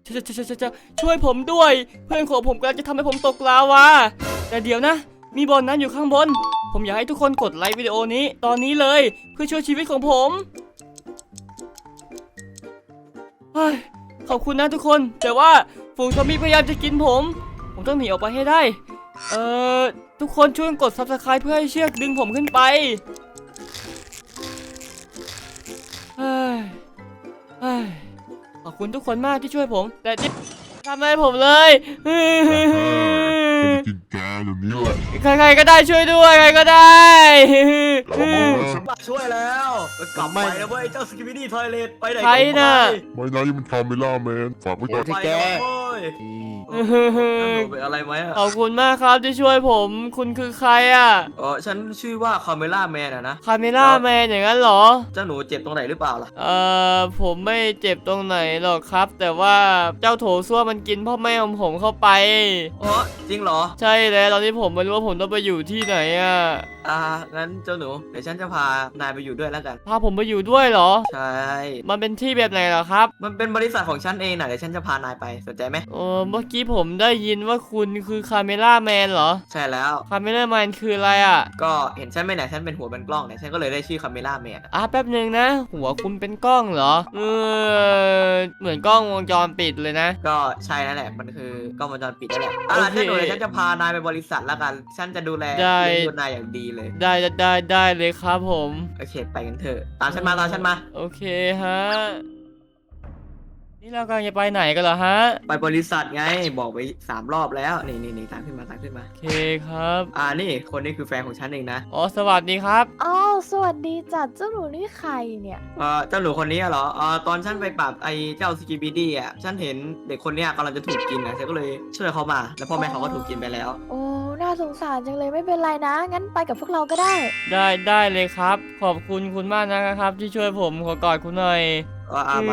ช่วยผมด้วยเพื่อนของผมกำลังจะทำให้ผมตกลาวาแต่เดี๋ยวนะมีบ่อน้ำอยู่ข้างบนผมอยากให้ทุกคนกดไลค์วิดีโอนี้ตอนนี้เลยเพื่อช่วยชีวิตของผมขอบคุณนะทุกคนแต่ว่าฝูงซอมบี้พยายามจะกินผมต้องหนีออกไปให้ได้ทุกคนช่วยกด Subscribe เพื่อให้เชือกดึงผมขึ้นไปขอบคุณทุกคนมากที่ช่วยผมแต่ทำอะไรผมเลยกินแกแบบนี้แหละใครๆก็ได้ช่วยด้วยใครก็ได้ฉันมาช่วยแล้วกลับไปนะเว้ยเจ้าสกิบิดี้ทอยเลทไปไหนใครน่ะไม่นะนี่มันคาเมล่าแมนฝากไว้ก่อนไปแล้วเว้ยเป็นอะไรไหมขอบคุณมากครับที่ช่วยผมคุณคือใครอ่ะฉันชื่อว่าคาเมล่าแมนนะคาเมล่าแมนอย่างนั้นเหรอเจ้าหนูเจ็บตรงไหนหรือเปล่าล่ะผมไม่เจ็บตรงไหนหรอกครับแต่ว่าเจ้าโถส้วมมันกินพ่อแม่ของผมเข้าไปจริงเหรอใช่แล้วตอนนี้ผมไม่รู้ว่าผมต้องไปอยู่ที่ไหนอ่ะงั้นเจ้าหนูเดี๋ยวฉันจะพานายไปอยู่ด้วยแล้วกันพาผมไปอยู่ด้วยเหรอใช่มันเป็นที่แบบไหนเหรอครับมันเป็นบริษัทของฉันเองนะเดี๋ยวฉันจะพานายไปสนใจไหมเมื่อกี้ผมได้ยินว่าคุณคือคาเมล่าแมนเหรอใช่แล้วคาเมล่าแมนคืออะไรอ่ะก็เห็นฉันไหมเนี่ยฉันเป็นหัวเป็นกล้องเนี่ยฉันก็เลยได้ชื่อคาเมล่าแมนแป๊บนึงนะหัวคุณเป็นกล้องเหรอเหมือนกล้องวงจรปิดเลยนะก็ใช่นั่นแหละมันคือกล้องวงจรปิดนั่นแหละฉันดูเลยฉันจะพานายไปบริษัทแล้วกันฉันจะดูแลเลี้ยงดูนายอย่างดีเลยได้เลยครับผมโอเคไปกันเถอะตามฉันมาโอเคฮะนี่เรากำลังจะไปไหนกันเหรอฮะไปบริษัทไงบอกไป3 รอบแล้วนี่ตามขึ้นมาโอเคครับนี่คนนี้คือแฟนของฉันเองนะสวัสดีครับสวัสดีจัดเจ้าหนูนี่ใครเนี่ยเจ้าหนูคนนี้เหรอตอนฉันไปปราบไอ้เจ้าสกิบิดี้ฉันเห็นเด็กคนนี้กำลังจะถูกกินนะฉันก็เลยช่วยเขามาแล้วพ่อแม่เขาก็ถูกกินไปแล้วโอ้น่าสงสารจังเลยไม่เป็นไรนะงั้นไปกับพวกเราก็ได้เลยครับขอบคุณมากนะครับที่ช่วยผมขอกอดคุณหน่อยมา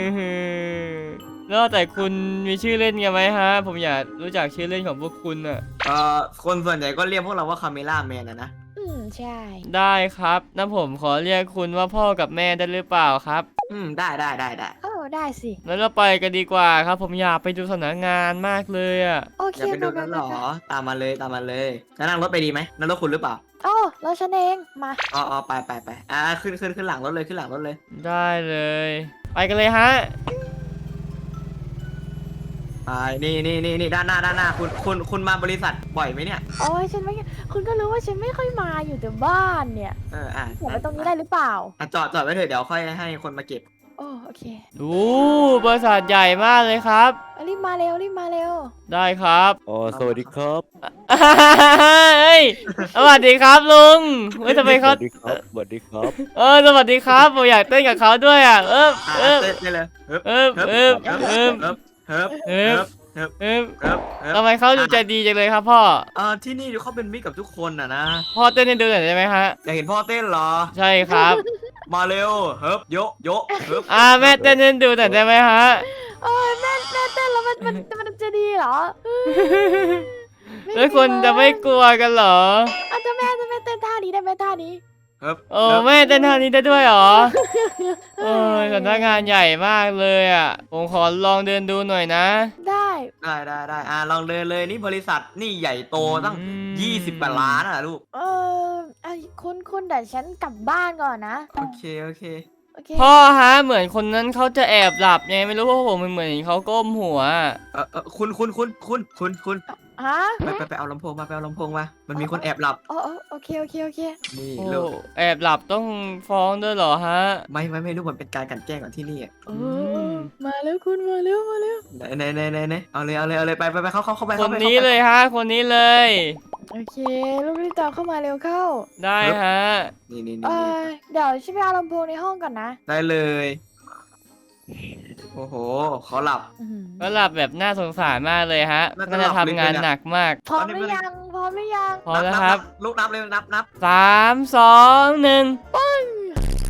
แล้วแต่คุณมีชื่อเล่นกันไหมฮะผมอยากรู้จักชื่อเล่นของพวกคุณอ่ะคนส่วนใหญ่ก็เรียกพวกเราว่าคาเมล่าแมนนะใช่ได้ครับงั้นผมขอเรียกคุณว่าพ่อกับแม่ได้หรือเปล่าครับได้ได้สิแล้วเราไปกันดีกว่าครับผมอยากไปดูสถานงานมากเลยอ่ะโอเคอยากไปดูกันหรอตามมาเลยจะนั่งรถไปดีไหมนั่งรถคุณหรือเปล่าแล้วฉันเองมาไปขึ้นหลังรถเลยได้เลยไปกันเลยฮะนี่ด้านหน้าคุณมาบริษัทบ่อยไหมเนี่ยฉันไม่คุณก็รู้ว่าฉันไม่ค่อยมาอยู่แต่บ้านเนี่ยผมไปตรงนี้ได้หรือเปล่าจอดไว้เถอะเดี๋ยวค่อยให้คนมาเก็บโอเคบริษัทใหญ่มากเลยครับรีบมาเร็วได้ครับสวัสดีครับสวัสดีครับลุงทำไมเขาสวัสดีครับสวัสดีครับสวัสดีครับผมอยากเต้นกับเขาด้วยอ่ะเต้นเลยทำไมเขาดูใจดีจังเลยครับพ่อที่นี่เขาเป็นมิตรกับทุกคนนะพ่อเต้นให้ดูหน่อยได้ไหมฮะอยากเห็นพ่อเต้นเหรอใช่ครับมาเร็วโยแม่เต้นให้ดูหน่อยได้ไหมฮะแม่เต้นแล้วมันจะดีเหรอแล้วคนจะไม่กลัวกันเหรอจะแม่เต้นท่านี้ได้ไหมท่านี้แม่เต้นท่านี้ได้ด้วยเหรอสำนักงานใหญ่มากเลยอ่ะผมขอลองเดินดูหน่อยนะได้ลองเดินเลยนี่บริษัทนี่ใหญ่โตตั้ง20 กว่าล้านอ่ะลูกคุณเดี๋ยวฉันกลับบ้านก่อนนะโอเคพ่อฮะเหมือนคนนั้นเขาจะแอบหลับไงไม่รู้ว่าผมเหมือนเขาก้มหัวคุณไปเอาลำโพงมามันมีคนแอบหลับโอเคนี่ลูกแอบหลับต้องฟ้องด้วยเหรอฮะไม่รู้มันเป็นการกลั่นแกล้งก่อนที่นี่มาแล้วคุณมาแล้วไหนเอาเลยไปเข้าไปคนนี้เลยฮะคนนี้เลยโอเคลูกรีบตามเข้ามาเร็วเข้าได้ฮะนี่เดี๋ยวฉันไปเอาลำโพงในห้องก่อนนะได้เลยโอ้โหเขาหลับก็หลับแบบน่าสงสารมากเลยฮะน่าจะทำงานหนักมากพร้อมหรือยังพร้อมแล้วครับลูกนับเลยนับ 3 2 1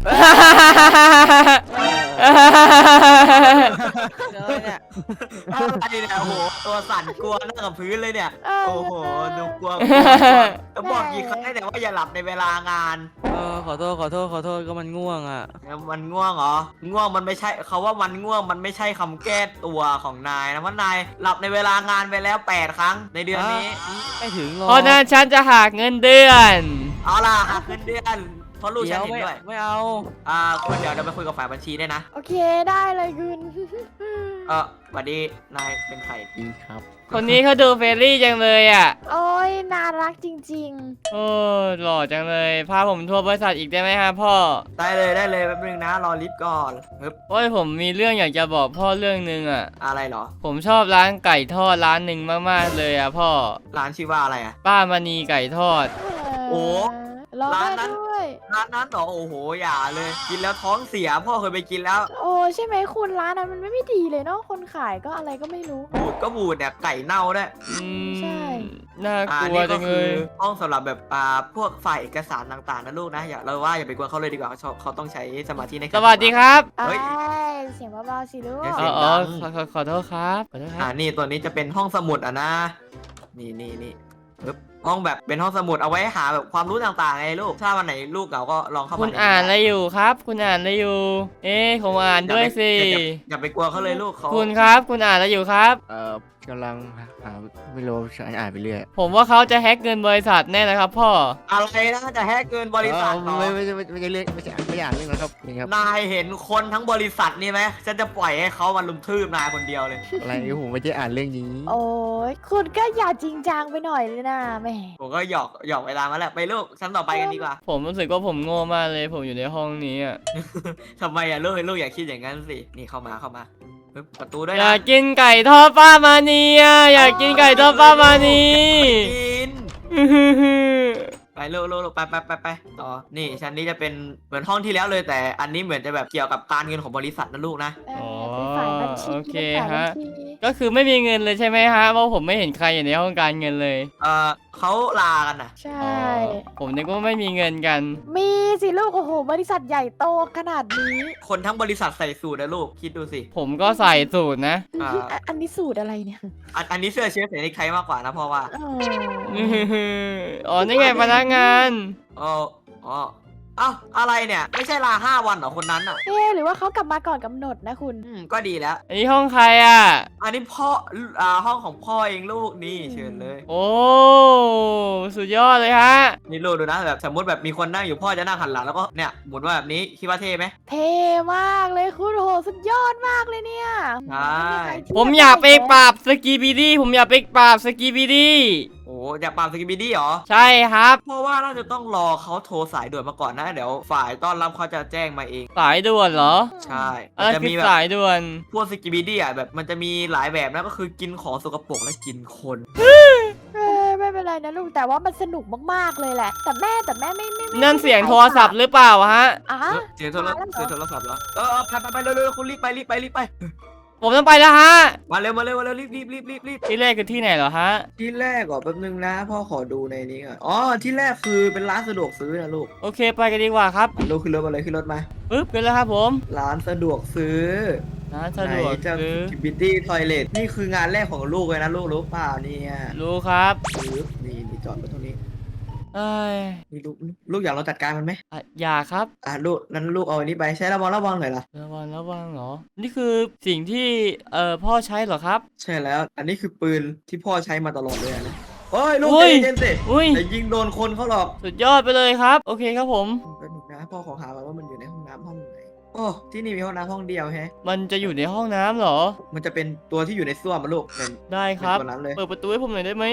อะไรเนี่ยโอ้โหตัวสั่นกลัวนั่งกับพื้นเลยเนี่ยโอ้โหดูกลัวต้องบอกกี่ครั้งแต่ว่าอย่าหลับในเวลางานขอโทษก็มันง่วงอ่ะมันง่วงเหรอง่วงมันไม่ใช่เขาว่ามันง่วงมันไม่ใช่คำแก้ตัวของนายนะเพราะนายหลับในเวลางานไปแล้ว8 ครั้งในเดือนนี้ไม่ถึงหรอกเพราะนั้นฉันจะหักเงินเดือนเอาล่ะหักเงินเดือนเพราะลูกฉันเห็นด้วยไม่เอาคุณเดี๋ยวเราไปคุยกับฝ่ายบัญชีได้วยนะโอเคได้เลยคุณสวัสดีนายเป็นใครดีครับคนนี้เขาดูเฟรนลี่จังเลยอ่ะโอ้ยน่ารักจริงโอ้หล่อจังเลยพาผมทัวร์บริษัทอีกได้ไหมฮะพ่อได้เลยแป๊บนึงนะรอลิฟต์ก่อนฮึบโอ้ยผมมีเรื่องอยากจะบอกพ่อเรื่องหนึงอ่ะอะไรเหรอผมชอบร้านไก่ทอดร้านหนึ่งมากๆเลยอ่ะพ่อร้านชื่อว่าอะไรอะป้ามณีไก่ทอดๆโอ้รอร้านได้นั้นด้วยร้านนั้นเหรอโอ้โหอย่าเลย กินแล้วท้องเสียพ่อเคยไปกินแล้วโอ้ใช่ไหมคุณร้านนั้นมันไม่ดีเลยเนาะคนขายก็อะไรก็ไม่รู้บูดก็บูดเนี่ยไก่เน่าด้วยใช่น่ากลัวนี่จัก็งเลคือย ห้องสำหรับแบบพวกฝ่ายเอกสารต่างๆนะลูกนะอย่าไปกวนเขาเลยดีกว่าเขาต้องใช้สมาธิในการสวัสดีครับเฮ้ยไอ้เสียงเบาๆสิลูกเดี๋ยวอ๋เสีอยงอ๋อดังขอโทษครับขอโทษครับนี่ตัวนี้จะเป็นห้องสมุดอ่ะนะนี่ปึ๊บห้องแบบเป็นห้องสมุดเอาไว้หาแบบความรู้ต่างๆไงลูกถ้าวันไหนลูกเหงาก็ลองเข้ามาคุณอ่านอะไรอยู่ครับ คุณอ่านอะไรอยู่ เอ๊ะผมอ่านด้วยสิอย่าไปกลัวเขาเลยลูกเขาคุณครับคุณอ่านอะไรอยู่ครับกำลังหาไม่รู้อ่านไปเรื่อยผมว่าเขาจะแฮ็กเงินบริษัทแน่นะครับพ่ออะไรนะจะแฮกเกินบริษัทเหรอไม่ใช่เรื่องไม่อ่านเรื่องนะครับนี่ครับนายเห็นคนทั้งบริษัทนี่ไหมฉันจะปล่อยให้เขามาลุมทืบนายคนเดียวเลยอะไรผมไม่ได้อ่านเรื่องนี้โอ้ยคุณก็อย่าจริงจังไปหน่อยเลยนะแหม่ผมก็หยอกเวลามาแหละไปลูกชั้นต่อไปกันดีกว่าผมรู้สึกว่าผมโง่มากเลย ผมอยู่ในห้องนี้อ่ะทำไมอะลูกอย่าคิดอย่างนั้นสินี่เข้ามาปึ๊บประตูด้วยอนะยากกินไก่ทอดป้ามานีอ่ะอยากกินไก่ทอดป้ามานีกิน ไปลูกไปต่อนี่ชั้นนี้จะเป็นเหมือนห้องที่แล้วเลย แต่อันนี้เหมือนจะแบบเกี่ยวกับการเงินของบริษัทนะลูกนะเป็นฝ่ายบัญชีโอเคเป็นฝ่ายบัญฮะชีก็คือไม่มีเงินเลยใช่ไหมฮะเพราะผมไม่เห็นใครอยู่ในห้องการเงินเลยเขาลากันนะใช่อ๋อผมนึกว่าไม่มีเงินกันมีสิลูกโอ้โหบริษัทใหญ่โตขนาดนี้คนทั้งบริษัทใส่สูทนะลูกคิดดูสิผมก็ใส่สูตรนะอันนี้สูตรอะไรเนี่ยอันนี้เสื้อเชิ้ตใส่ในใครมากกว่านะเพราะว่าอ๋อนี่ไงพนักงานอ๋อเอ้าอะไรเนี่ย ไม่ใช่ลา5 วันเหรอคนนั้นอ่ะเอ๊ะหรือว่าเขากลับมาก่อนกำหนดนะคุณก็ดีแล้วอันนี้ห้องใครอ่ะอันนี้พ่อห้องของพ่อเองลูกนี่เชิญเลยโอ้สุดยอดเลยฮะนี่ลูกดูนะแบบสมมติแบบมีคนนั่งอยู่พ่อจะนั่งหันหลังแล้วก็เนี่ยหมุนว่าแบบนี้คิดว่าเท่ไหมเท่มากเลยคุณโหสุดยอดมากเลยเนี่ยใช่ผมอยากไปปราบสกีบีดี้ผมอยากไปปราบสกีบีดี้โอ้อยากปราบสกิปปี้ดี้เหรอใช่ครับเพราะว่าน่าจะต้องรอเขาโทรสายด่วนมาก่อนนะเดี๋ยวฝ่ายต้อนรับเขาจะแจ้งมาเองสายด่วนเหรอใช่อะไรจะคือมีแบบสายด่วนพวกสกิปปี้ดี้อ่ะแบบมันจะมีหลายแบบนะก็คือกินของสกปรกและกินคนไม่เป็นไรนะลูกแต่ว่ามันสนุกมากๆเลยแหละ แต่แม่ไม่นั่นเสียงโทรศัพท์หรือเปล่าฮะอ่ะเสียงโทรศัพท์เหรอไปเร็วๆคุณรีบไปผมต้องไปแล้วฮะมาเร็วรีบที่แรกคือที่ไหนเหรอฮะที่แรกก่อนแป๊บนึงนะพ่อขอดูในนี้ก่อนอ๋อที่แรกคือเป็นร้านสะดวกซื้อนะลูกโอเคไปกันดีกว่าครับลูกขึ้นรถมาเลยขึ้นรถมาปึ๊บกันแล้วครับผมร้านสะดวกซื้อร้านสะดวกไหนจะซื้อบิวตี้ทอยเลทนี่คืองานแรกของลูกเลยนะลูกรู้เปล่าเนี่ยรู้ครับปึ๊บนี่จอดรถตรงนี้เอ้ยนี่ลูกอยากลองจัดการมันไหมอย่าครับลูกนั้นลูกเอาอันนี้ไปใช้ระวังหน่อยล่ะระวังเหรอ นี่คือสิ่งที่พ่อใช้เหรอครับใช่แล้วอันนี้คือปืนที่พ่อใช้มาตลอดเลยนะโอ้ยลูกอุ้ใจยเย็นๆสิอุ้ยแต่ยิงโดนคนเขาหรอกสุดยอดไปเลยครับ โอเคครับผมแป๊บนึงนะพ่อขอหาก่อนว่ามันอยู่ในห้องน้ำห้องไหนโอ้ที่นี่มีห้องน้ำห้องเดียวแฮะมันจะอยู่ในห้องน้ำเหรอมันจะเป็นตัวที่อยู่ในส้วมมาลูกเป็นได้ครับตัวนั้นเลยเปิดประตูให้ผมหน่อยได้ไหม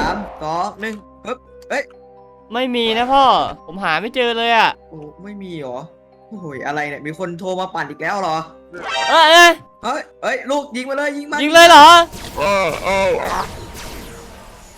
3 2 1ปึ๊บเอ้ยไม่มีนะพ่อ ผมหาไม่เจอเลยอ่ะโอ้ไม่มีเหรอโอ้ยอะไรเนี่ยมีคนโทรมาปั่นอีกแล้วเหรอเอ้ยเฮ้ยลูกยิงมาเลยยิงมันยิงเลยเหรออ้าว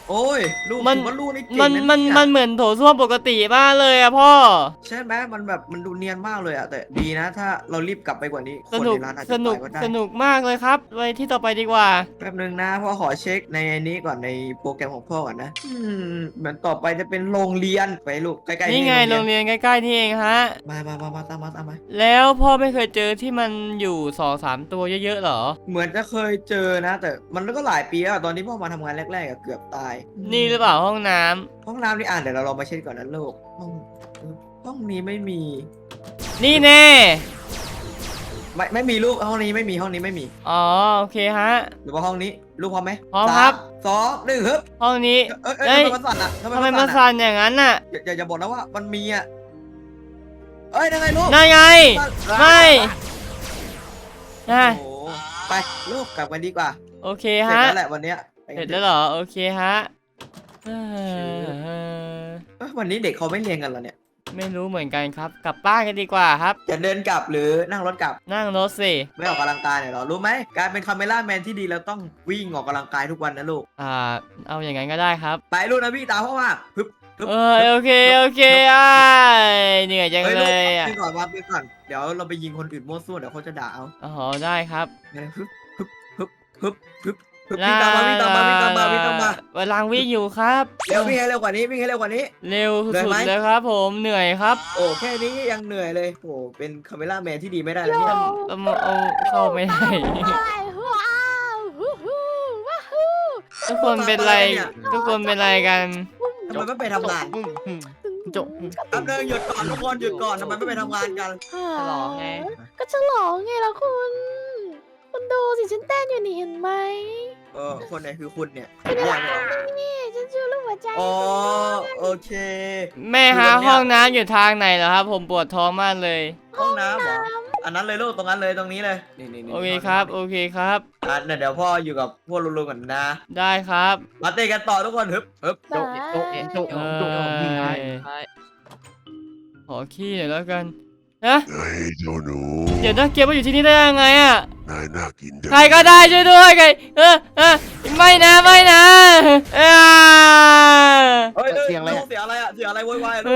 โอ้ยลูกมันถือว่าลูกนี่เก่งมันนะมันเยมันเหมือนโถส้วมปกติมากเลยอะพ่อใช่ไหมมันแบบมันดูเนียนมากเลยอะแต่ดีนะ ถ้าเรารีบกลับไปกว่านี้คสนนุกในร้านอาจสจะนุกตายก็ได้สนุกมากเลยครับไปที่ต่อไปดีกว่าแป๊บนึงนะพ่อขอเช็คในนี้ก่อนในโปรแกรมของพ่อก่อนนะเหมือนต่อไปจะเป็นโรงเรียนไปลูกใกล้ๆนี่ไงโรงเรียนใกล้ๆนี่เองฮะมาตามมาแล้วพ่อไม่เคยเจอที่มันอยู่2-3ตัวเยอะๆหรอเหมือนจะเคยเจอนะ แต่มันก็หลายปีแล้วอะตอนที่พ่อมาทำงานแรกๆอะเกือบตายนี่หรือเปล่าห้องน้ำห้องน้ำนี่เดี๋ยวเราลองมาเช็คก่อนนะลูกห้องนี้ไม่มีนี่แน่ไม่มีลูกห้องนี้ไม่มีห้องนี้ไม่มีอ๋อโอเคฮะหรือว่าห้องนี้ลูกพร้อมไหมพร้อมครับ 3 2 1ฮึบห้องนี้เอ้ยทำไมมันสั่นอะทำไมนมาอะสั่นอย่างนั้นน่ะอย่าบอกนะว่ามันมีอะเอ้ยยังไงลูกนั่นไง ไม่โอ้นะโหไปลูกกลับกันดีกว่าโอเคเสร็จฮะแล้วแหละวันเนี้ยไปเสกัร็จนแล้วเหรอโอเคฮะเอ่อวันนี้เด็กเขาไม่เรียนกันเหรอเนี่ยไม่รู้เหมือนกันครับ กลับบ้านกันดีกว่าครับจะเดินกลับหรือนั่งรถกลับนั่งรถสิไม่ออกกำลังกายเนี่ยเหรอรู้ไหมการเป็นคาเมล่าแมนที่ดีเราต้องวิ่งออกกำลังกายทุกวันนะลูกเอาอย่างนั้นก็ได้ครับไปลูกนะพี่ตามพ่อมาฮึบฮึบโอเคโอเคเหนื่อยจังเฮ้ยเลลูกยอ่ะไปก่อนวางไปก่อนเดี๋ยวเราไปยิงคนอื่นมั่วซั่วเดี๋ยวเขาจะด่าเอาอ๋อได้ครับฮึบฮึบฮึบฮึบฮึบฮึบวิ่งตามมาวิ่งตามมาวิ่งตามมาวิ่งตามมากำลังวิ่งอยู่ครับเร็ววิ่งให้เร็วกว่านี้วิ่งให้เร็วกว่านี้เร็วเหนื่อยสุดไหมๆเลยครับผมเหนื่อยครับโอ้แค่นี้ยังเหนื่อยเลยโอ้เป็นคาเมล่าแมนที่ดีไม่ได้แล้วเนี่ยเอาเข้าไม่ได้อะไรว้าวฮู้ฮู้ว้าวฮู้ทุกคนเป็นไร ทุกคนเป็นไรกันทำไมไม่ไปทำงานจบแป๊บนึงหยุดก่อนทุกคนหยุดก่อนทำไมไม่ไปทำงานกันฉลองไงก็ฉลองไงล่ะคุณดูสิฉันเต้นอยู่นี่เห็นไหมคนไหนคือคุณเนี่ยนี่ฉันชื่อลูกหัวใจอ๋อโอเคแม่ฮะห้องน้ำอยู่ทางไหนเหรอครับ ผมปวดท้องมากเลยห้องน้ำเหรออันนั้นเลยลูกตรงนั้นเลยตรงนี้เลยนี่โอเคครับ โอเคครับเดี๋ยวพ่ออยู่กับพวกลุงๆก่อนนะได้ครับมาเตะกันต่อทุกคนฮึบฮึบโจ๊กโจ๊กโจ๊กเอโจ๊กอขอขี้หน่อยแล้วกันนะเฮ้ยเจ้าหนูเดี๋ยวนะเกมมาอยู่ที่นี่ได้ยังไงอ่ะนายน่ากินจังใครก็ได้ช่วยด้วยใครไม่นะไม่นะอ่าเฮ้ยเสียงอะไรอะเสียงอะไรโวยวายเอ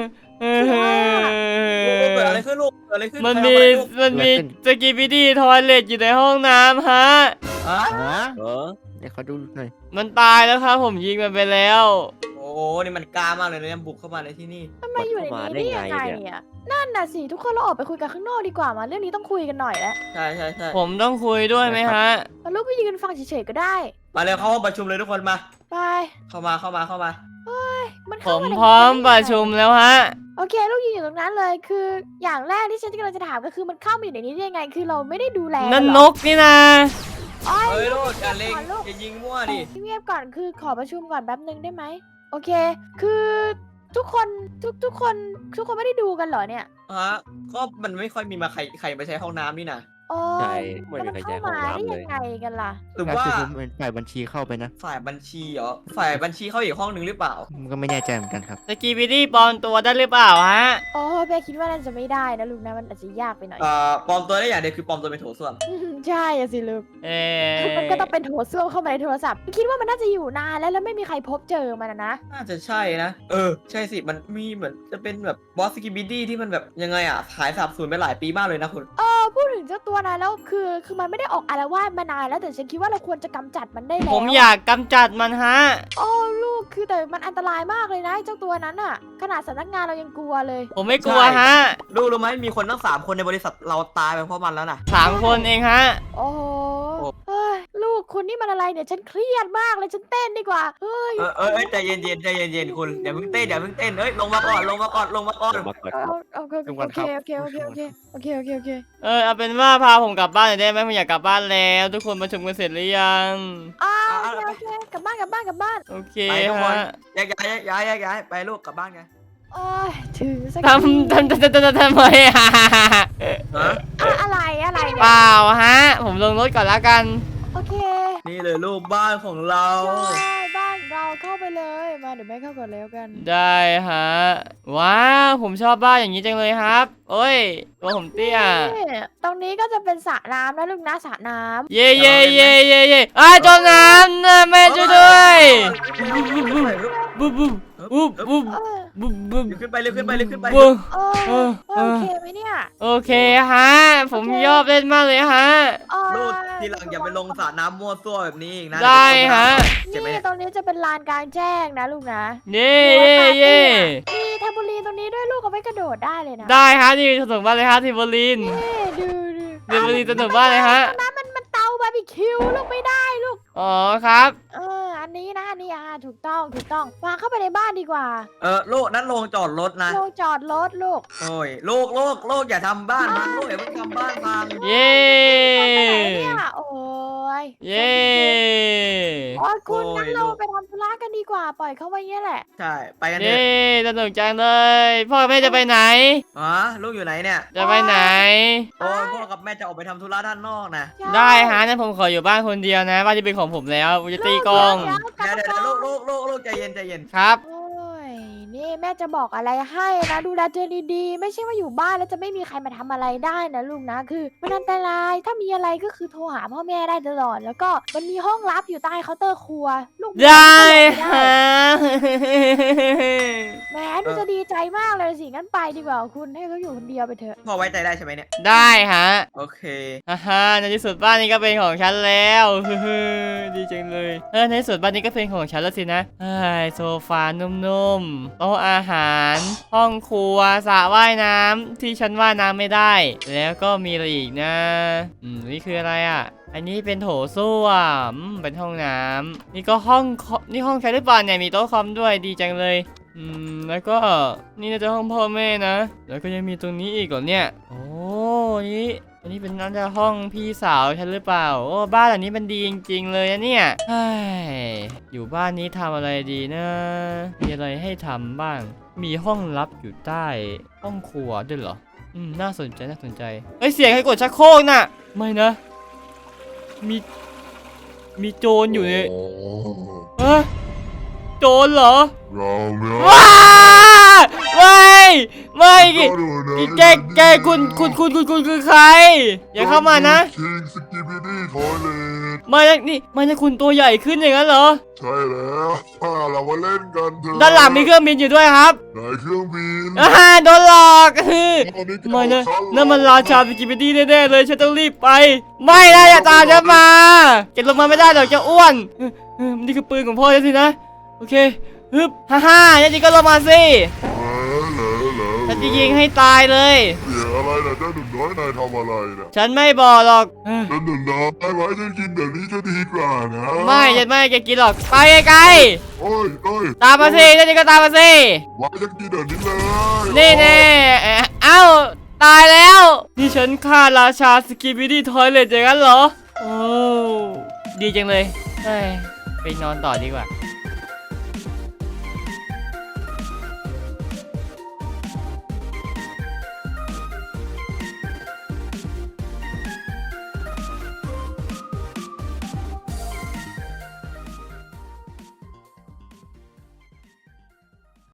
ลูกอเกิดอะไรขึ้นลูกเกิดอะไรขึ้นมันมีสกีบิดี้ทอยเลทอยู่ในห้องน้ำฮะฮะฮะเดี๋ยวเขาดูหน่อยมันตายแล้วครับผมยิงมันไปแล้วโอ้นี่มันกล้ามากเลยนะเนี่ยบุกเข้ามาในที่นี่ทำไมอยู่ในนี้ได้ยังไงเนี่ยนั่นน่ะสิทุกคนเราออกไปคุยกันข้างนอกดีกว่ามาเรื่องนี้ต้องคุยกันหน่อยแล้วใช่ผมต้องคุยด้วยไหมฮะมาลูกก็ยืนฟังเฉยๆก็ได้มาเร็วเข้าห้องประชุมเลยทุกคนมาไปเข้ามามันผเข้าม มาในพร้อมประชุมแล้วฮะโอเคลูกยืนอยู่ตรงนั้นเลยคือ อย่างแรกที่ฉันกำลังจะถามก็คือมันเข้ามาอยู่ในนี้ได้ยังไง คือเราไม่ได้ดูแลนั่นเหนรอกนี่นะอ้อยเฮ้ยลูกอย่าเล็งอย่ายิงมั่วดิเงียบก่อนคือขอประชุมก่อนแป๊บนึงได้ไหมโอเค คือทุกคนทุกคนไม่ได้ดูกันเหรอเนี่ยฮะก็มันไม่ค่อยมีมาใครไปใช้ห้องน้ำนี่นะโอ้ใช่แล้วไม่มันมีใครเข้าใช้ห้องมาได้น้ำเลยัยงไงกันล่ะหรือก็ว่าคือผมเป็นฝ่ายบัญชีเข้าไปนะฝ่ายบัญชีเหรอฝ่ายบัญชีเข้าอีกห้องหนึ่งหรือเปล่ามันก็ไม่แน่ใจเหมือนกันครับสกีบิดี้ปลอมตัวได้หรือเปล่าฮะโอ้เป้คิดว่าน่าจะไม่ได้นะลูกนะมันอาจจะยากไปหน่อยปลอมตัวได้อย่างเดียวคือปลอมตัวเป็นโถส้วมใช่อะสิลูกเอมันก็ต้องเป็นโถส้วมเข้ามาในโทรศัพท์คิดว่ามันน่าจะอยู่นานแล้วไม่มีใครพบเจอมันนะน่าจะใช่นะใช่สิมันมีเหมือนจะเป็นแบบบอสสกิบิดี้ที่มันแบบยังไงอ่ะหายสาบสูญไปหลายปีมากเลยนะคุณพูดถึงเจ้าตัวนั้นแล้วคือมันไม่ได้ออกอาละวาดมานานแล้วแต่ฉันคิดว่าเราควรจะกำจัดมันได้แล้วผมอยากกำจัดมันฮะโอ้ลูกคือแต่มันอันตรายมากเลยนะไอ้เจ้าตัวนั้นอะขนาดสำนักงานเรายังกลัวเลยผมไม่กลัวฮะรู้ไหมมีคนตั้ง3 คนในบริษัทเราตายไปเพราะมันแล้วนะ 3 คนเองฮะโอ้โหเฮ้ยลูกคุณนี่มันอะไรเนี่ยฉันเครียดมากเลยฉันเต้นดีกว่าเฮ้ยใจเย็นคุณอย่าเพิ่งเต้นลงมาก่อนมาก่อนโอเคทุกวันครับโอเคเอาเป็นว่าพาผมกลับบ้านหน่อยได้ไหมผมอยากกลับบ้านแล้ว ทุกคนประชุมกันเสร็จหรือยังโอเคกลับบ้านโอเคไปทุกคนฮะแยกย้ายไปลูกกลับบ้านกันโอ้ยถึงสักทำไมอะฮะอะไรเนี่ยเปล่าฮะ ผมลงรถก่อนแล้วกันโอเคนี่เลยลูกบ้านของเราใช่บ้านเราเข้าไปเลยมาเดี๋ยวแม่เข้าก่อนแล้วกันได้ฮะว้าวผมชอบบ้านอย่างนี้จังเลยครับโอ้ยตัวผมเตี้ยนี่ตรงนี้ก็จะเป็นสระน้ำนะลูกนะสระน้ำเย่เย่เย่เย่เย่จมน้ำนะแม่ช่วยด้วยบุ๊บบุ๊บบุ๊บบุ๊บเออบุ๊บบุ๊บเร็วขึ้นไปเร็วขึ้นไปเร็วขึ้นไปบุ๊บเอเอออโอเคไหมเนี่ยโอเคฮะผมชอบเล่นมากเลยฮะลูกทีหลังอย่าไปลงสระน้ำมั่วซั่วแบบนี้อีกนะได้ฮะเจ็บไหมนี่เนี่ยตรงนี้จะเป็นลานกลางแจ้งนะลูกนะเย่เย่เย่มีแทมโบลีนตรงนี้ด้วยลูกเอาไว้กระโดดได้เลยนะได้ฮะนี่สนุกมากเลยฮะทิวบลินนี่ดูเดี๋ยววันนี้สนุกมากเลยฮะตรงนั้นมันเตาบาร์บีคิวลูกไม่ได้ลูกอ๋อครับอันนี้นะอันนี้ถูกต้องวางเข้าไปในบ้านดีกว่าลูกนั่นโรงจอดรถนะโลงจอดรถลูกโอ้ยลูกอย่าทำบ้านพังลูกอย่าเพิ่งทำบ้านพังเย่ไปไหนเนี่ยโอ้ยเย่โอ้ยคุณงั้นเราไปทำธุระกันดีกว่าปล่อยเขาไว้เงี้ยแหละใช่ไปกันเถเย่อะสนุกจังเลยพ่อกับแม่จะไปไหนลูกอยู่ไหนเนี่ยจะไปไหนโอ้ยพ่อกับแม่จะออกไปทำธุระด้านนอกนะได้ฮะนั้นผมขออยู่บ้านคนเดียวนะบ้านที่เป็นของผมแล้วผมจะตีกลองเดี๋ยวลูกใจเย็นครับโอ้ยนี่แม่จะบอกอะไรให้นะดูแลตัวเองดีๆไม่ใช่ว่าอยู่บ้านแล้วจะไม่มีใครมาทำอะไรได้นะลูกนะคือมันอันตรายถ้ามีอะไรก็คือโทรหาพ่อแม่ได้ตลอดแล้วก็มันมีห้องลับอยู่ใต้เคาน์เตอร์ครัวลูกได้ฮะแหมดูจะดีใจมากเลยสิงั้นไปดีกว่าคุณให้เขาอยู่คนเดียวไปเถอะพ่อไว้ใจได้ใช่ไหมเนี่ยได้ฮะโอเคฮ่าในที่สุดบ้านนี้ก็เป็นของฉันแล้วดีจังเลยในที่สุดบ้านนี้ก็เป็นของฉันแล้วสินะโซฟานุ่มๆโต๊ะอาหาร ห้องครัวสระว่ายน้ำที่ฉันว่ายน้ำไม่ได้ แล้วก็มีอะไรอีกนะนี่คืออะไรอ่ะ อันนี้เป็นโถส้วมเป็นห้องน้ำนี่ก็นี่ห้องใครหรือเปล่าเนี่ยมีโต๊ะคอมด้วยดีจังเลยแล้วก็นี่น่าจะห้องพ่อแม่นะ แล้วก็ยังมีตรงนี้อีกเหรอเนี่ยโอ้นี่อันนี้เป็นน่าจะห้องพี่สาวฉันหรือเปล่าโอ้บ้านหลังนี้มันดีจริงๆเลยนะเนี่ยอยู่บ้านนี้ทำอะไรดีนะมีอะไรให้ทำบ้าง มีห้องลับอยู่ใต้ห้องครัวด้วยเหรอน่าสนใจเฮ้ยเสียงใครกดชักโครกน่ะไม่นะมีโจรอยู่เนี่ยโอ้โจรเหรอเราไม่ว้าไม่เอาดูนะแกคุณคือใคร อย่าเข้ามานะคิงสกิบิดี้ทอยเลทไม่นะคุณตัวใหญ่ขึ้นอย่างนั้นเหรอใช่แล้วเรามาเล่นกันเถอะด้านหลังมีเครื่องบินอยู่ด้วยครับไหนเครื่องบินโดนหลอกตอนนี้ไม่นะเขานั่นมันราชาสกิปปิตี้แน่ๆเลยฉันต้องรีบไป ไม่นะอย่าตามฉันมาแกลงมาไม่ได้หรอกจะอ้วนนี่คือปืนของพ่อฉันสินะโอเคฮึบฮ่าจริงก็ลงมาสิฉันจะยิงให้ตายเลยเสียงอะไรนะเจ้าหนุ่มน้อยนายทำอะไรนะฉันไม่บอกหรอกเจ้าหนุ่มน้อยไว้ฉันกินเดี๋ยวนี้จะดีกว่านะไม่ฉันไม่ให้แกกินหรอกไปไกลโอ้ยๆตามมาสินี่ก็ตามมาสิไว้ฉันกินเดี๋ยวนี้เลยนี่แน่เอ้าตายแล้ว นี่ฉันฆ่าราชาสกิบิดี้ทอยเลทอย่างนั้นเหรอโอ้ดีจังเลยเฮ้ยไปนอนต่อดีกว่า